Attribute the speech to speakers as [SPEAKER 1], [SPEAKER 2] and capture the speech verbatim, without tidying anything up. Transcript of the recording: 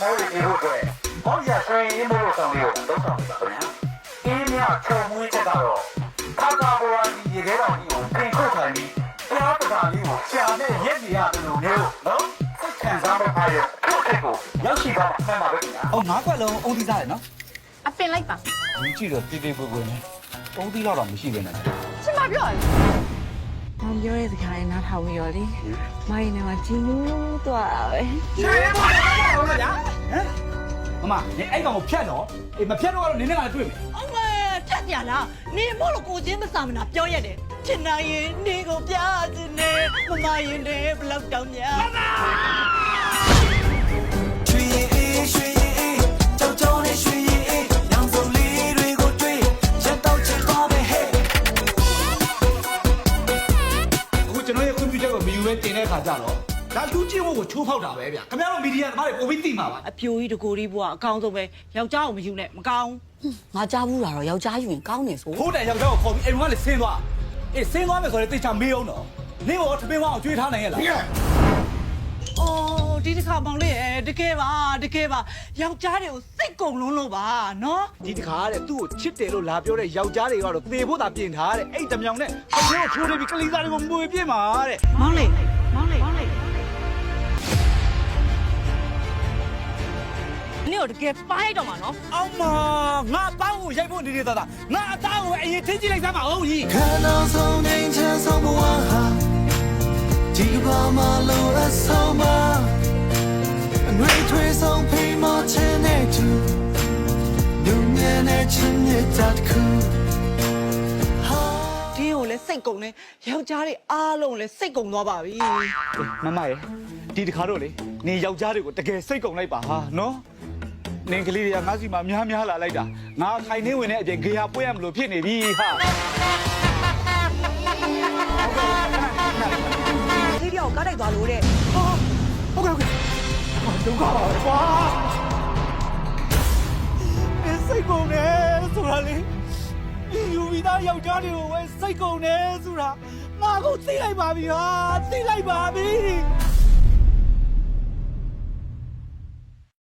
[SPEAKER 1] မိုးတွေပြေဖို့အတွက်ဘောက်ရဆွေးရင်းမိုးဆောင်လေးကိုသုံးဆောင်နေတာခင်ဗျာအင်းမြချုံမွေးချက်ကတော့ခါကာဘောရာဒီရေခဲတော်ကြီးကိုပြင်ခုတ်ထိုင်ပြီးတရားပဒါလေးကိုရှာနဲ့ရက်နေရတယ်လို့မျိုးနော်စိတ်ခံစားဖို့အားရခုတ်ကိုရောက်ရှိသွားမှန်ပါပဲခင်ဗျာ
[SPEAKER 2] ။အော်ငါးခွက်လုံးအုံးသီးစားတယ်နော်
[SPEAKER 3] အပင်လိုက်ပါ
[SPEAKER 2] ။ဒီကြည့်တော့တေးသေးပွေပွေနဲ့အုံးသီးတော့မရှိသေးနဲ့
[SPEAKER 3] ရှင်မပြောရလေ
[SPEAKER 4] မောင်ပြောတဲ့စကားလေးနားထောင်ပြီးတော့လေမိုင်းနဲ့မှဂျင်းလို့သွားတာပဲ
[SPEAKER 2] ။ရွှေရဲပါလားဟုတ်လားဗျာ။ဟမ်။မမနေအဲ့ကောင်ကိုဖြတ်တော့အေးမဖြတ်တော့ကတော့နင်းနဲ့ကလည်းတွေ့မယ်
[SPEAKER 5] အမေဖြတ်ပြလားနေမို့လို့ကိုချင်းမစာမနာပြောရတယ်ချင်နိုင်ရင်နေကိုပြချင်နေမမရင်နေဘလောက်တောင်များမမ
[SPEAKER 6] ရွှေရင်အေးရွှေရင်အေးကြောက်ကြောက်နဲ့ရွှေရင်အေးရောင်စုံလေးတွေကိုတွေ့ရက်တော့ချင်တော့ပဲဟဲ့
[SPEAKER 2] ။အခုကျွန်တော်ရဲ့ကွန်ပျူတာကိုမယူပဲတင်တဲ့ခါကျတော့ဒါလူချင်းဖို့ကိုချိုးဖောက်တာပဲဗျာ။ခင်ဗျားတို့မီဒီယာသမားတွေပုံပြီးသိမှာပါ
[SPEAKER 5] အပြိုကြီးတကိုကြီးဘွားအကောင်းဆုံးပဲယောက်ျားကိုမယူနဲ့မကောင်း
[SPEAKER 4] ငါကြားဘူးတာတော့ယောက်ျားယူရင်ကောင်းတယ်ဆို
[SPEAKER 2] ။ဖိုးတယ်ယောက်ျားကိုခေါ်ပြီးအိမ်ကလည်းဆင်းသွား။အေးဆင်းသွားမယ်ဆိုရင်တိတ်ချမေးအောင်တော့။နင်းရောထမင်းဝအောင်ကျွေးထားနိုင်ရဲ့လား။
[SPEAKER 5] အိုးဒီတစ်ခါမောင်လေးအဲတကယ်ပါတကယ်ပါယောက်ျားတွေကိုစိတ်ကုန်လုံးလို့ပါနော်
[SPEAKER 2] ဒီတခါတဲ့သူ့ကိုချစ်တယ်လို့လာပြောတဲ့ယောက်ျားတွေကတော့သေဖို့သာပြင်ထားတဲ့အဲ့တမြောင်နဲ့ဘယ်လိုထိုးနေပြီးကလေးသားတွေကိုမွေပြစ်မှာတဲ့
[SPEAKER 5] မောင်လေးမောင်လေးမောင်လေးနေတော့တကယ်ပိုင်းလိုက်တော့မှာနော်
[SPEAKER 2] အောင်မငါအပေါင်းကိုရိုက်ဖို့နေနေသားသားငါအသားကိုအရင်ထင်းကြည့်လိုက်စမ်းပါဦးကြီး
[SPEAKER 6] ခန္ဓာဆုံးငိမ့်ချမ်းဆုံးဘဝဟာဒီဘာမလို့အဆုံးမအငွေထွေးဆုံးဖိမချင်တဲ့သူဒုညနဲ့ချင်တဲ့တတ်ခုဟာ
[SPEAKER 5] ဒီကိုလည်းစိတ်ကုန်နေယောက်ျားတွေအားလုံးလည်းစိတ်ကုန်သွားပါပြီ
[SPEAKER 2] မမရေဒီတခါတော့လေနေယောက်ျားတွေကိုတကယ်စိတ်ကုန်လိုက်ပါဟာနော်နင်ကလေးတွေကငါစီမှာများများလာလိုက်တာငါခိုင်နေဝင်တဲ့အပြင်ဂေဟာပွင့်ရမလို့ဖြစ်နေပြီဟာ
[SPEAKER 5] ဒီတယောက်ကားတိုက်သွားလို့တဲ့
[SPEAKER 2] ဟုတ်ကဲ့ဟုတ်ကဲ့ဒုက္ခပါကွာအဲစိတ်ကုန်နေဆိုတာလေယူဝီသားယောက်ျားတွေကိုပဲစိတ်ကုန်နေဆိုတာငါကိုသိလိုက်ပါပြီဟာသိလိုက်ပါပြီ